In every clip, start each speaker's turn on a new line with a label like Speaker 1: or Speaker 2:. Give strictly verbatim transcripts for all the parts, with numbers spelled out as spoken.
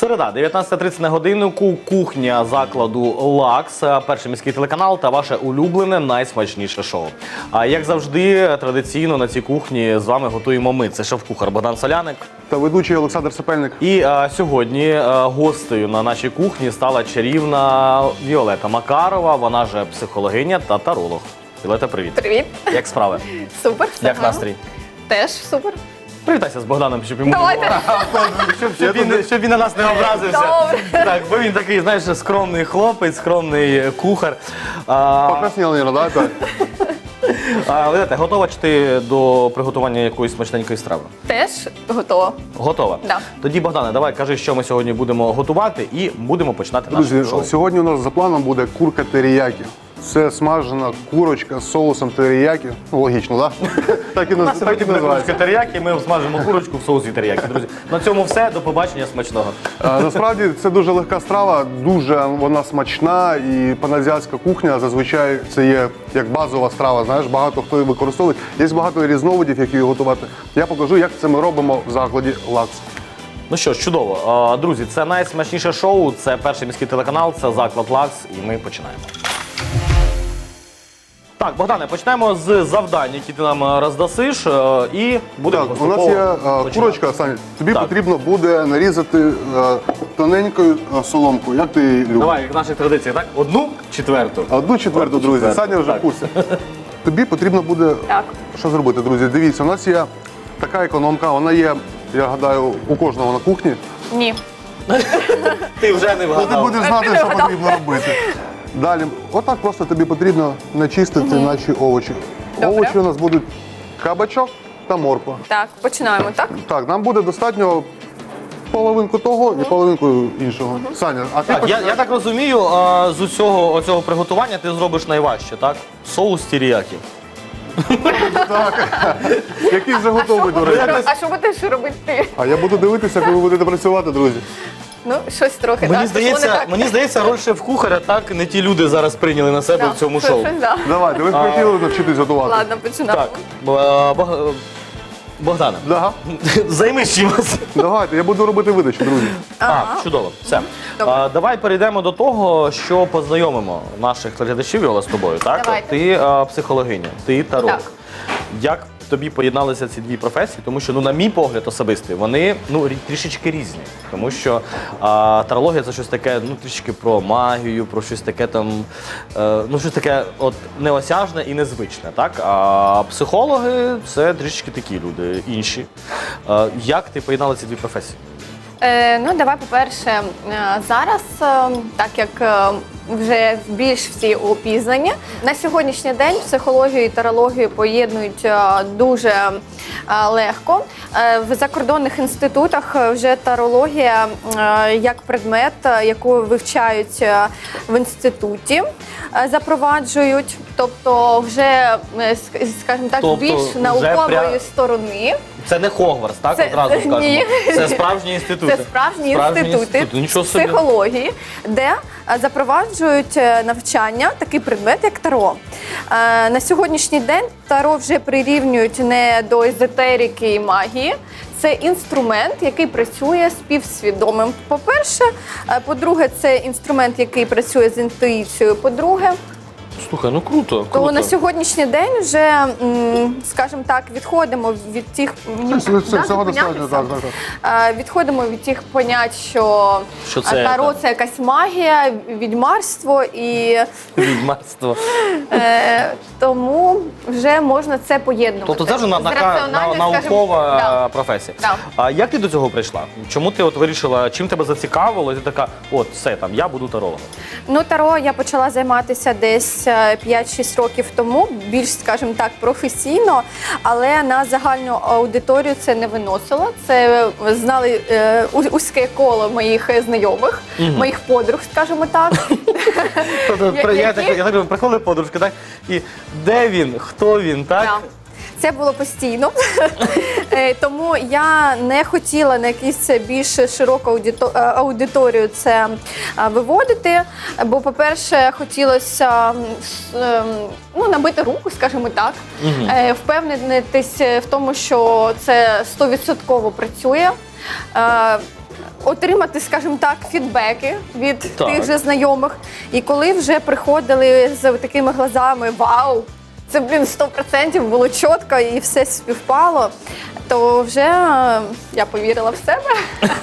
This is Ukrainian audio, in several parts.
Speaker 1: Середа, дев'ятнадцята тридцять на годиннику, кухня закладу «Лакс», перший міський телеканал та ваше улюблене найсмачніше шоу. А як завжди, традиційно на цій кухні з вами готуємо ми. Це шеф-кухар Богдан Соляник.
Speaker 2: Та ведучий Олександр Сапельник.
Speaker 1: І а, сьогодні а, гостею на нашій кухні стала чарівна Віолета Макарова, вона же психологиня та таролог. Віолета, привіт.
Speaker 3: Привіт.
Speaker 1: Як справи?
Speaker 3: Супер. все
Speaker 1: Як
Speaker 3: гарно.
Speaker 1: настрій?
Speaker 3: Теж супер.
Speaker 1: Привітайся з Богданом, щоб йому
Speaker 3: Давайте.
Speaker 1: щоб, щоб, він, щоб він на нас не образився.
Speaker 3: Добре.
Speaker 1: Так, бо він такий, знаєш, скромний хлопець, скромний кухар. А,
Speaker 2: Покрасніла, да? Так.
Speaker 1: а, Віолета, готова чи ти до приготування якоїсь смачненької страви?
Speaker 3: Теж готова.
Speaker 1: Готова?
Speaker 3: Да.
Speaker 1: Тоді, Богдане, давай кажи, що ми сьогодні будемо готувати, і будемо починати наше
Speaker 2: Друзі,
Speaker 1: шоу.
Speaker 2: сьогодні у нас за планом буде курка теріякі. Це смажена курочка з соусом теріякі. Ну, логічно, так? Да? Так і,
Speaker 1: У нас
Speaker 2: наз- так і
Speaker 1: сьогодні буде курочка
Speaker 2: називається.
Speaker 1: теріякі, ми смажимо курочку в соусі теріякі. Друзі, на цьому все. До побачення, смачного.
Speaker 2: А, насправді це дуже легка страва, дуже вона смачна, і паназіатська кухня зазвичай це є як базова страва. Знаєш, багато хто її використовує. Є багато різновидів, як її готувати. Я покажу, як це ми робимо в закладі «Лакс».
Speaker 1: Ну що ж, чудово. А, Друзі, це найсмачніше шоу, це перший міський телеканал, це заклад «Лакс», і ми починаємо. Так, Богдане, почнемо з завдань, які ти нам роздасиш, е, і будемо
Speaker 2: Так, у нас є е, курочка, Саня. Тобі
Speaker 1: Так.
Speaker 2: потрібно буде нарізати е, тоненькою е, соломкою. Як ти її любиш?
Speaker 1: Давай, як в наших традиціях, так? Одну четверту.
Speaker 2: Одну четверту, друзі.
Speaker 1: четверту,
Speaker 2: Саня вже
Speaker 1: так.
Speaker 2: в курсі. Тобі потрібно буде
Speaker 3: Так.
Speaker 2: що зробити, друзі? Дивіться, у нас є така економка, вона є, я гадаю, у кожного на кухні.
Speaker 3: Ні.
Speaker 1: Ти вже не
Speaker 2: Ну, ти
Speaker 1: вгадав.
Speaker 2: будеш знати, що потрібно робити. Далі, отак просто тобі потрібно начистити наші овочі.
Speaker 3: Добре.
Speaker 2: Овочі у нас будуть кабачок та морква.
Speaker 3: Так, починаємо, так?
Speaker 2: Так, нам буде достатньо половинку того і половинку іншого. Саня, а ти
Speaker 1: Так, я,
Speaker 2: поч-
Speaker 1: я так розумію, а, з усього оцього приготування ти зробиш найважче, так? Соус теріякі.
Speaker 2: який вже готовий, до речі.
Speaker 3: А що будеш робити ти?
Speaker 2: А я буду дивитися, коли ви будете працювати, друзі.
Speaker 3: Ну, щось трохи,
Speaker 1: Мені
Speaker 3: так? Пішло не
Speaker 1: здається,
Speaker 3: так.
Speaker 1: мені здається, роль шеф-кухаря так не ті люди зараз прийняли на себе
Speaker 3: Да,
Speaker 1: в цьому
Speaker 3: що-
Speaker 1: шоу.
Speaker 3: щось, да.
Speaker 2: Давайте, ви хотіли навчитись готувати.
Speaker 3: Ладно, починаємо.
Speaker 1: Так, Бо- Бог- Богдане,
Speaker 2: Да.
Speaker 1: займись чимось.
Speaker 2: Давайте, я буду робити видачу, друзі.
Speaker 1: А, чудово. Все.
Speaker 3: Добре.
Speaker 1: А, давай перейдемо до того, що познайомимо наших глядачів, Віола, з тобою. Так?
Speaker 3: Давайте.
Speaker 1: Ти а, психологиня, ти таролог.
Speaker 3: Так.
Speaker 1: Як тобі поєдналися ці дві професії? Тому що, ну, на мій погляд особистий, вони ну, рі- трішечки різні. Тому що а, тарологія – це щось таке, ну, трішки про магію, про щось таке там, е, ну, щось таке от неосяжне і незвичне, так? А психологи – це трішечки такі люди, інші. Е, як ти поєднала ці дві професії?
Speaker 3: Е, ну, давай, по-перше, е, зараз, е, так як е, вже більш всі опізнані, на сьогоднішній день психологію і тарологію поєднують е, дуже е, легко. Е, в закордонних інститутах вже тарологія е, як предмет, е, яку вивчають е, в інституті, е, запроваджують, тобто вже, е, ск- скажімо так,
Speaker 1: Тобто
Speaker 3: більш
Speaker 1: вже
Speaker 3: наукової
Speaker 1: пря-
Speaker 3: сторони.
Speaker 1: Це не Хогвартс, так?
Speaker 3: Це-
Speaker 1: Одразу скажемо.
Speaker 3: ні.
Speaker 1: Це справжні інститути.
Speaker 3: Це справжні, інститути
Speaker 1: Нічого собі.
Speaker 3: психології, де е, запроваджують е, навчання, такий предмет, як таро. Е, На сьогоднішній день таро вже прирівнюють не до езотерики і магії. Це інструмент, який працює з співсвідомим. По-перше, Е, по-друге, це інструмент, який працює з інтуїцією. По-друге,
Speaker 1: Слухай, ну круто,
Speaker 3: то
Speaker 1: круто.
Speaker 3: на сьогоднішній день вже, м, скажімо так, відходимо від тих
Speaker 2: Це, це, це
Speaker 3: Да,
Speaker 2: всього
Speaker 3: зупинятися?
Speaker 2: достатньо, так, так, так.
Speaker 3: Е, Відходимо від тих понять, що,
Speaker 1: Що це
Speaker 3: таро
Speaker 1: там?
Speaker 3: це якась магія, відьмарство, і
Speaker 1: Відьмарство.
Speaker 3: е, тому вже можна це поєднувати.
Speaker 1: Тобто це вже на,
Speaker 3: З
Speaker 1: на, на,
Speaker 3: раціональною,
Speaker 1: наукова
Speaker 3: скажімо,
Speaker 1: професія.
Speaker 3: Да.
Speaker 1: А як ти до цього прийшла? Чому ти от вирішила, чим тебе зацікавило? І ти така, от все там, я буду тарологом.
Speaker 3: Ну, таро я почала займатися десь е, п'ять-шість років тому, більш, скажімо так, професійно, але на загальну аудиторію це не виносило. Це знали е, у- вузьке коло моїх е, знайомих, моїх подруг, скажімо так.
Speaker 1: Тобто,
Speaker 3: Я-
Speaker 1: при- я,
Speaker 3: які?
Speaker 1: так, я так думаю, приходили подружки, так? І де він, хто він, так?
Speaker 3: Да. Це було постійно, Е, тому я не хотіла на якусь більш широку аудито- е, аудиторію це е, виводити, бо, по-перше, хотілося м, с- ем, ну, набити руку, скажімо так, е, впевнитись в тому, що це сто відсотків працює. Е, отримати, скажімо так, фідбеки від
Speaker 1: Так.
Speaker 3: тих же знайомих. І коли вже приходили з такими глазами «Вау! Це, блін, сто відсотків було чітко і все співпало», то вже е, я повірила в себе.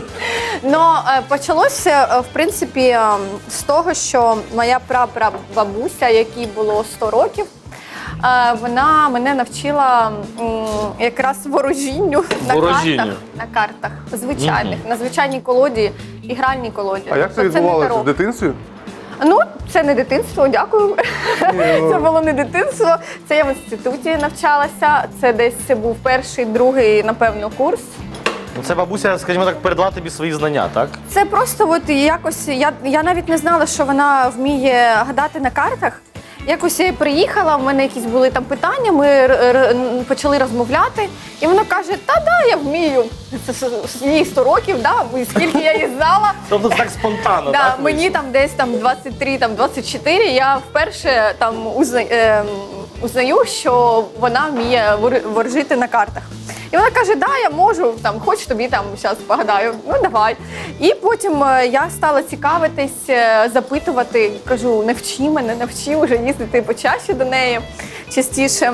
Speaker 3: Но е, почалося, е, в принципі, е, з того, що моя прапрабабуся, якій було сто років, е, вона мене навчила м, якраз ворожінню на
Speaker 1: Ворожінню.
Speaker 3: картах, на картах звичайних, на звичайній колоді і гральній колоді.
Speaker 2: А як це
Speaker 3: Тобто не
Speaker 2: відбувалося
Speaker 3: таро.
Speaker 2: в дитинстві?
Speaker 3: Ну, це не дитинство, дякую. Це було не дитинство. Це я в інституті навчалася. Це десь був перший, другий, напевно, курс.
Speaker 1: Ну, це бабуся, скажімо так, передала тобі свої знання, так?
Speaker 3: Це просто от якось, я, я навіть не знала, що вона вміє гадати на картах. Якось я приїхала, в мене якісь були там питання, ми р- р- почали розмовляти, і вона каже, та да, я вмію. Це с- с- їй сто років, да, і скільки я її знала.
Speaker 1: Тобто це так спонтанно,
Speaker 3: Да,
Speaker 1: так?
Speaker 3: мені
Speaker 1: вийшло?
Speaker 3: там десь там двадцять три, там двадцять чотири, я вперше там узна, е, узнаю, що вона вміє вор- ворожити на картах. І вона каже, да, я можу, там, хоч тобі там зараз погадаю, ну давай. І потім е, я стала цікавитись, е, запитувати, кажу, навчи мене, навчи вже їздити почаще до неї, частіше.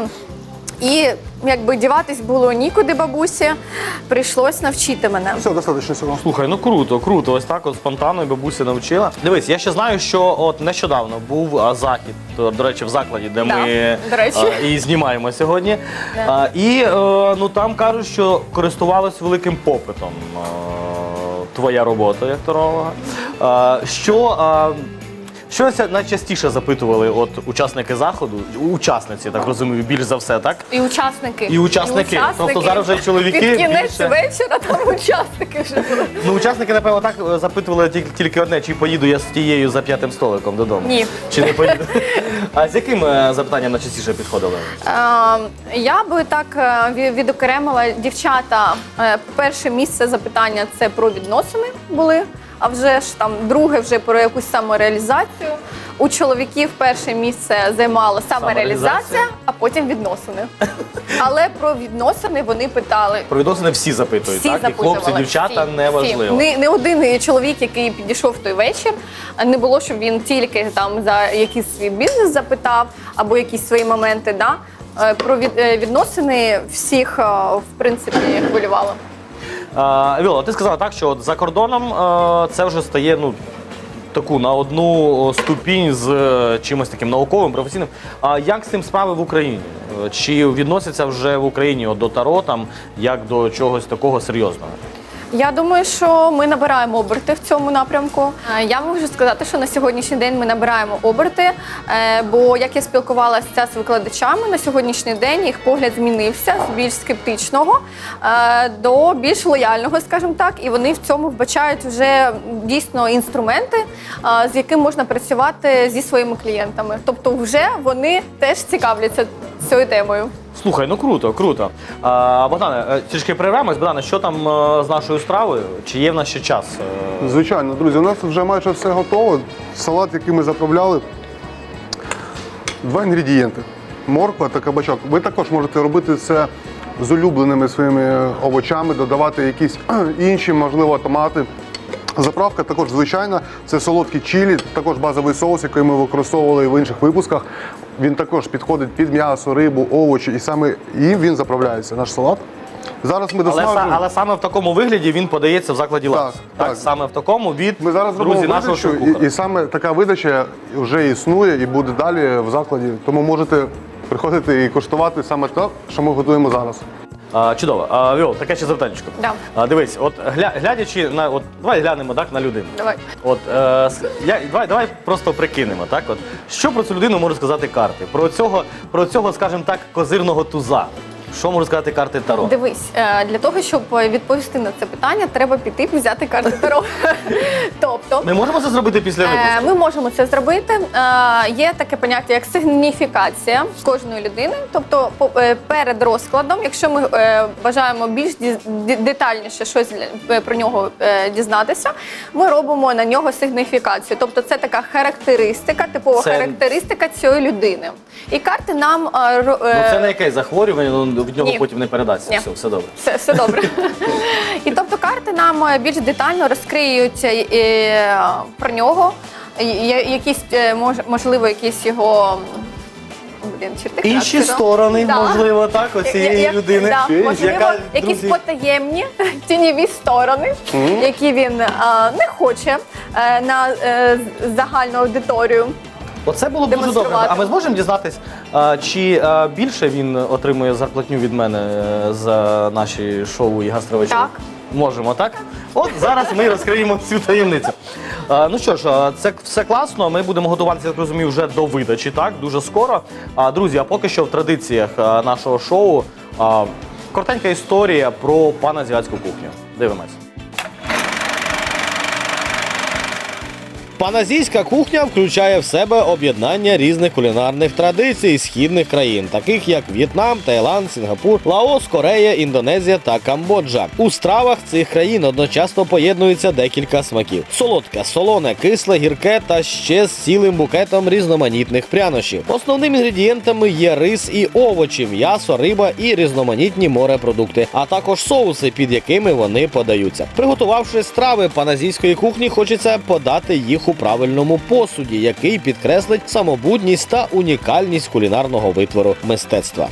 Speaker 3: І якби діватись було нікуди бабусі, прийшлось навчити мене.
Speaker 2: Все, достатньо цього.
Speaker 1: Слухай, ну круто, круто. Ось так от спонтанно і бабуся навчила. Дивись, я ще знаю, що от нещодавно був а, захід, то, до речі, в закладі, де
Speaker 3: Да,
Speaker 1: ми
Speaker 3: до речі.
Speaker 1: а, і знімаємо сьогодні.
Speaker 3: Да.
Speaker 1: А, і е, ну там кажуть, що користувалась великим попитом е, твоя робота як таролога. А, що а, Що ся- найчастіше запитували от учасники заходу, учасниці, так розумію, більш за все, так?
Speaker 3: І учасники.
Speaker 1: І учасники. Тобто зараз вже чоловіки
Speaker 3: Під кінець
Speaker 1: більше-
Speaker 3: вечора там учасники вже були.
Speaker 1: Ну, учасники, напевно, так е, запитували тільки, тільки одне, чи поїду я з тією за п'ятим столиком додому.
Speaker 3: Ні.
Speaker 1: Чи не поїду? А з яким е, запитанням найчастіше підходили?
Speaker 3: Е, Я би так е, ві- відокремила дівчата. Е, Перше місце запитання це про відносини були, а вже ж там друге вже про якусь самореалізацію. У чоловіків перше місце займала самореалізація,
Speaker 1: Самореалізація.
Speaker 3: а потім відносини. Але про відносини вони питали.
Speaker 1: Про відносини всі запитують,
Speaker 3: Всі
Speaker 1: так? І
Speaker 3: запитували.
Speaker 1: хлопці, дівчата,
Speaker 3: всі,
Speaker 1: неважливо.
Speaker 3: всі. Не, не один чоловік, який підійшов в той вечір, не було, щоб він тільки там за якийсь свій бізнес запитав або якісь свої моменти. Да? Е, Про від- е, відносини всіх, е, в принципі, хвилювало.
Speaker 1: А, Віола, ти сказала так, що от за кордоном е, це вже стає ну, таку на одну ступінь з е, чимось таким науковим, професійним. А як з цим справи в Україні? Е, Чи відносяться вже в Україні от, до таро там, як до чогось такого серйозного?
Speaker 3: Я думаю, що ми набираємо оберти в цьому напрямку. Е, Я можу сказати, що на сьогоднішній день ми набираємо оберти, е, бо як я спілкувалася з викладачами, на сьогоднішній день їх погляд змінився з більш скептичного е, до більш лояльного, скажімо так, і вони в цьому вбачають вже дійсно інструменти, е, з яким можна працювати зі своїми клієнтами. Тобто вже вони теж цікавляться цією темою.
Speaker 1: Слухай, ну круто, круто. А, Богдане, е, трішки перервемось. Богдане, що там е, з нашою стравою? Чи є в нас ще час? Е,
Speaker 2: Звичайно, друзі, у нас вже майже все готово. Салат, який ми заправляли, два інгредієнти. Морква та кабачок. Ви також можете робити це з улюбленими своїми овочами, додавати якісь інші, можливо, томати. Заправка також звичайна, це солодкі чилі, також базовий соус, який ми використовували в інших випусках. Він також підходить під м'ясо, рибу, овочі, і саме їм він заправляється, наш салат. Зараз ми
Speaker 1: але,
Speaker 2: досмажуємо.
Speaker 1: са- але саме в такому вигляді він подається в закладі «Лакс».
Speaker 2: Так, так.
Speaker 1: Саме в такому від
Speaker 2: Ми зараз робимо
Speaker 1: друзі нашого
Speaker 2: видачу,
Speaker 1: шеф-кухаря.
Speaker 2: і, і саме така видача вже існує і буде далі в закладі. Тому можете приходити і коштувати саме те, що ми готуємо зараз.
Speaker 1: А, чудово. А, Віол, таке ще запитання.
Speaker 3: Да.
Speaker 1: А, дивись, от гля, глядячи на от давай глянемо так на людину.
Speaker 3: Давай.
Speaker 1: От е, с- я давай, давай просто прикинемо, так от що про цю людину можуть сказати карти? Про цього, про цього, скажімо так, козирного туза. Що можуть сказати карти Таро?
Speaker 3: Дивись, е, для того, щоб відповісти на це питання, треба піти і взяти карту Таро. Тобто,
Speaker 1: Ми можемо це зробити після
Speaker 3: е,
Speaker 1: випуску?
Speaker 3: ми можемо це зробити. Е, Є таке поняття, як сигніфікація кожної людини. Тобто, по- е, перед розкладом, якщо ми е, бажаємо більш ді- ді- детальніше щось для- про нього е, дізнатися, ми робимо на нього сигніфікацію. Тобто, це така характеристика, типова
Speaker 1: Це-
Speaker 3: характеристика цієї людини. І карти нам е, ро-
Speaker 1: Ну
Speaker 3: е,
Speaker 1: це не якесь захворювання, ну, від нього
Speaker 3: Ні.
Speaker 1: потім не передасться.
Speaker 3: Ні.
Speaker 1: Все, все добре.
Speaker 3: Все, все добре. І тобто карти нам е, більш детально розкриють е, е, про нього, е, якісь, е, мож, можливо, якісь його блін, черти
Speaker 1: Інші
Speaker 3: характеру.
Speaker 1: сторони,
Speaker 3: Да.
Speaker 1: можливо, так, ось цієї
Speaker 3: Як-
Speaker 1: людини.
Speaker 3: Да, можливо,
Speaker 1: яка,
Speaker 3: якісь
Speaker 1: друзі,
Speaker 3: потаємні тіньові сторони, які він е, не хоче е, на е, загальну аудиторію.
Speaker 1: Оце було б дуже добре.
Speaker 3: демонструвати.
Speaker 1: А ми зможемо дізнатись, а, чи а, більше він отримує зарплатню від мене е, за наші шоу і гастровечори?
Speaker 3: Так.
Speaker 1: Можемо, так? От зараз ми розкриємо цю таємницю. А, ну що ж, а, це все класно. Ми будемо готуватися, я так розумію, вже до видачі, так? Дуже скоро. А, друзі, а поки що в традиціях а, нашого шоу а, коротенька історія про паназіатську кухню. Дивимось.
Speaker 4: Паназійська кухня включає в себе об'єднання різних кулінарних традицій східних країн, таких як В'єтнам, Таїланд, Сінгапур, Лаос, Корея, Індонезія та Камбоджа. У стравах цих країн одночасно поєднуються декілька смаків: солодке, солоне, кисле, гірке та ще з цілим букетом різноманітних прянощів. Основними інгредієнтами є рис і овочі, м'ясо, риба і різноманітні морепродукти, а також соуси, під якими вони подаються. Приготувавши страви паназійської кухні, хочеться подати їх у правильному посуді, який підкреслить самобутність та унікальність кулінарного витвору мистецтва.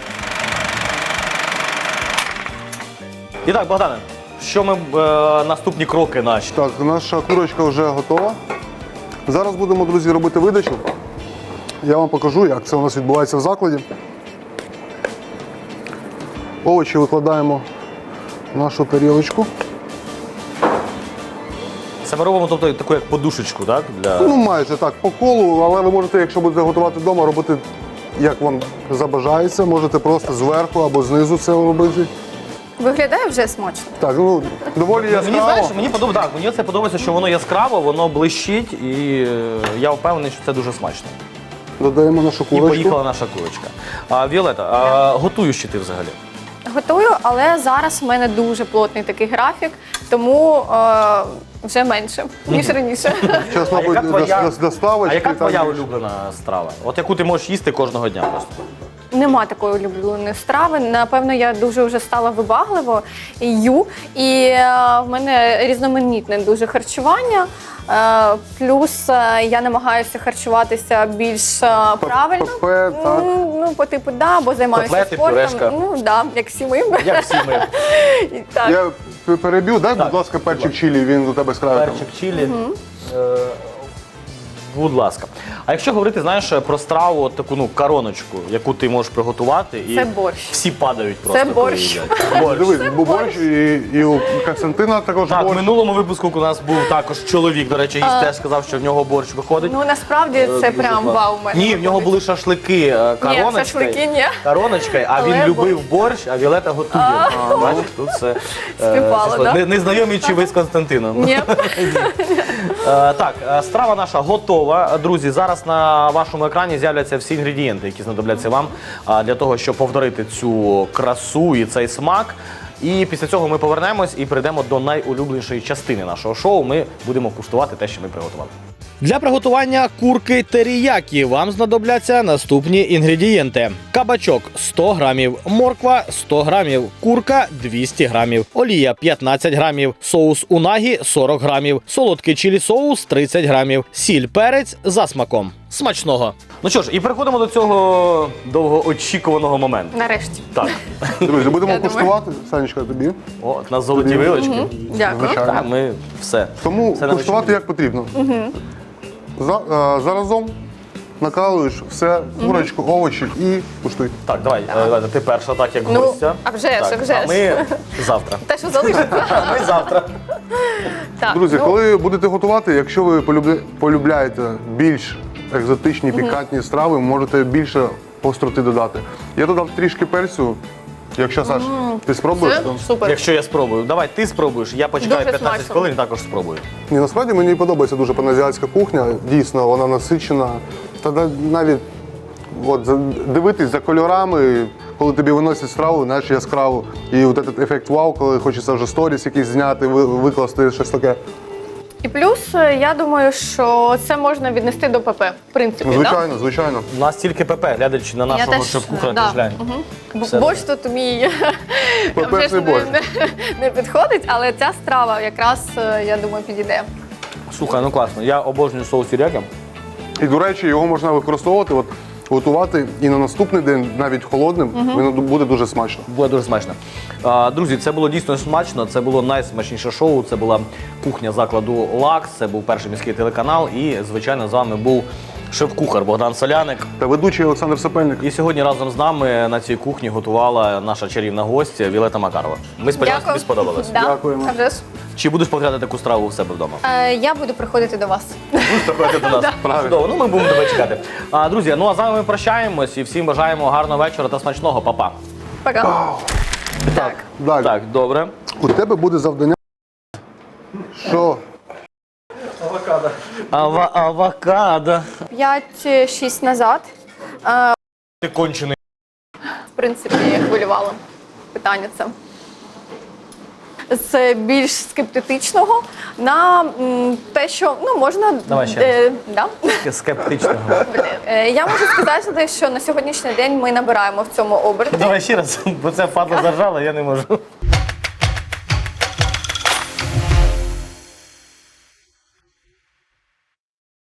Speaker 1: І так, Богдане, що ми, е, наступні кроки наші?
Speaker 2: Так, наша курочка вже готова. Зараз будемо, друзі, робити видачу. Я вам покажу, як це у нас відбувається в закладі. Овочі викладаємо в нашу тарілочку.
Speaker 1: Це ми робимо, тобто, таку як подушечку, так? Для...
Speaker 2: Ну, майже так, по колу, але ви можете, якщо будете готувати вдома, робити, як вам забажається. Можете просто зверху або знизу це робити.
Speaker 3: Виглядає вже смачно.
Speaker 2: Так, ну, доволі
Speaker 1: Мені, знаєш,
Speaker 2: яскраво.
Speaker 1: мені подобається, так, мені це подобається, що воно яскраво, воно блищить, і е, я впевнений, що це дуже смачно.
Speaker 2: Додаємо нашу
Speaker 1: І
Speaker 2: курочку.
Speaker 1: поїхала наша курочка. А, Віолета, а, готуєш чи ти взагалі?
Speaker 3: Готую, але зараз в мене дуже плотний такий графік, тому е, вже менше, ніж раніше.
Speaker 2: Зараз,
Speaker 1: А
Speaker 2: мабуть,
Speaker 1: яка твоя,
Speaker 2: до- доставочки.
Speaker 1: а яка
Speaker 2: там
Speaker 1: твоя
Speaker 2: більше.
Speaker 1: улюблена страва? От яку ти можеш їсти кожного дня просто?
Speaker 3: Нема такої улюбленої страви. Напевно, я дуже вже стала вибагливо їю. І е, в мене різноманітне дуже харчування. Е, плюс е, я намагаюся харчуватися більш е, правильно.
Speaker 2: ПП, так.
Speaker 3: Ну, ну, по типу, да, бо займаюся
Speaker 1: Котлети,
Speaker 3: спортом.
Speaker 1: пюрешка.
Speaker 3: Ну, да, як всі ми.
Speaker 1: Як всі ми?
Speaker 3: І так.
Speaker 2: Я п- переб'ю, дай,
Speaker 1: Так,
Speaker 2: будь ласка, перчик чилі, він у тебе з краю. там.
Speaker 1: Перчик чилі. Е, Будь ласка. А якщо говорити, знаєш, про страву, от таку ну короночку, яку ти можеш приготувати, і
Speaker 3: Це борщ.
Speaker 1: всі падають просто.
Speaker 3: Це
Speaker 1: коли
Speaker 3: борщ.
Speaker 1: їдять. Борщ.
Speaker 2: Дивись, був борщ, і, і у Костянтина також
Speaker 1: Так, в
Speaker 2: борщ.
Speaker 1: минулому випуску у нас був також чоловік, до речі, гість теж сказав, що в нього борщ виходить.
Speaker 3: Ну, насправді, це
Speaker 1: Дуже
Speaker 3: прям
Speaker 1: класно.
Speaker 3: вау в мене.
Speaker 1: Ні, в нього були шашлики е, короночкою.
Speaker 3: шашлики ні.
Speaker 1: Короночкою, а
Speaker 3: Але
Speaker 1: він любив борщ, а Віолета готує. А, Бачиш, тут все е,
Speaker 3: Співпало,
Speaker 1: пішло.
Speaker 3: да?
Speaker 1: Не, не знайомі чи ви з Константином?
Speaker 3: Ні.
Speaker 1: Е, Так, е, страва наша готова. Друзі, зараз на вашому екрані з'являться всі інгредієнти, які знадобляться вам а, для того, щоб повторити цю красу і цей смак. І після цього ми повернемось і перейдемо до найулюбленішої частини нашого шоу. Ми будемо куштувати те, що ми приготували.
Speaker 4: Для приготування курки теріякі вам знадобляться наступні інгредієнти: кабачок сто грамів, морква сто грамів, курка двісті грамів, олія п'ятнадцять грамів, соус унагі сорок грамів, солодкий чилі соус тридцять грамів, сіль, перець за смаком. Смачного!
Speaker 1: Ну що ж, і переходимо до цього довгоочікуваного моменту.
Speaker 3: Нарешті.
Speaker 1: Так,
Speaker 2: Друзі, будемо
Speaker 3: Я думаю.
Speaker 2: куштувати. Санечка, тобі.
Speaker 1: о, на золоті вилочки.
Speaker 3: Дякую.
Speaker 2: Звичайно.
Speaker 1: Так, ми все.
Speaker 2: Тому
Speaker 1: Все
Speaker 2: куштувати
Speaker 1: навчили.
Speaker 2: як потрібно. За, е, заразом накалуєш все, курочку, овочі і куштуй.
Speaker 1: Так, давай, е, Леда, ти перша, так як
Speaker 3: Ну,
Speaker 1: гостя.
Speaker 3: а вже ж,
Speaker 1: Так,
Speaker 3: а вже
Speaker 1: а ми завтра.
Speaker 3: Те, що залишиться.
Speaker 1: А ми завтра.
Speaker 3: Так,
Speaker 2: Друзі,
Speaker 3: ну,
Speaker 2: коли будете готувати, якщо ви полюбля- полюбляєте більш екзотичні, пікантні страви, можете більше остроти додати. Я додав трішки перцю. Якщо, Саш, ти спробуєш?
Speaker 3: це
Speaker 2: то-
Speaker 3: супер.
Speaker 1: Якщо я спробую, давай ти спробуєш, я почекаю
Speaker 3: Дуже
Speaker 1: п'ятнадцять
Speaker 3: смачно.
Speaker 1: хвилин і також спробую.
Speaker 2: Ні, насправді мені подобається дуже паназіатська кухня. Дійсно, вона насичена. Та да- навіть от, за- дивитись за кольорами, коли тобі виносять страву, знаєш, яскраву. І от этот ефект вау, коли хочеться вже сторіс якийсь зняти, ви- викласти щось таке.
Speaker 3: І плюс, е, я думаю, що це можна віднести до ПП, в принципі,
Speaker 2: Ну, звичайно, звичайно.
Speaker 1: У нас тільки ПП, глядачі на
Speaker 3: Да? Я
Speaker 1: нашого
Speaker 3: теж,
Speaker 1: шеф-кухаря
Speaker 3: да.
Speaker 1: теж глянь.
Speaker 3: Мгм. Бо
Speaker 1: Все
Speaker 3: борщ тут мій
Speaker 2: ППшний
Speaker 3: вже ж не,
Speaker 2: борщ.
Speaker 3: не, не підходить, але ця страва якраз, е, я думаю, підійде.
Speaker 1: Слухай, ну класно. Я обожнюю соус тіряки.
Speaker 2: І, до речі, його можна використовувати, от, готувати і на наступний день, навіть холодним, він буде дуже смачно.
Speaker 1: Буде дуже смачно. А, друзі, це було дійсно смачно. Це було найсмачніше шоу. Це була кухня закладу Лакс. Це був перший міський телеканал. І, звичайно, з вами був шеф-кухар Богдан Соляник.
Speaker 2: Та ведучий Олександр Сапельник.
Speaker 1: І сьогодні разом з нами на цій кухні готувала наша чарівна гостя Віолетта Макарова. Ми сподіваємося, тобі сподобалось.
Speaker 3: Да.
Speaker 2: Дякуємо.
Speaker 3: А вже ж.
Speaker 1: Чи будеш повторяти таку страву у себе вдома?
Speaker 3: Е, я буду приходити до вас.
Speaker 1: Будеш приходити до нас.
Speaker 2: Правильно.
Speaker 1: Чудово. Ну ми будемо тебе чекати. А, друзі, ну а з вами ми прощаємось і всім бажаємо гарного вечора та смачного. Па-па.
Speaker 3: Пока. Так.
Speaker 2: Далі.
Speaker 1: Так, добре.
Speaker 2: У тебе буде завдання. Що?
Speaker 1: Ава авокадо.
Speaker 3: п'ять-шість назад, е,
Speaker 1: Ти кончений.
Speaker 3: в принципі, хвилювало питання це. З більш скептичного на м, те, що ну, можна...
Speaker 1: Давай ще
Speaker 3: е, да?
Speaker 1: Скептичного.
Speaker 3: Е, Я можу сказати, що на сьогоднішній день ми набираємо в цьому оберті.
Speaker 1: Давай ще раз, бо це падла заржала, я не можу.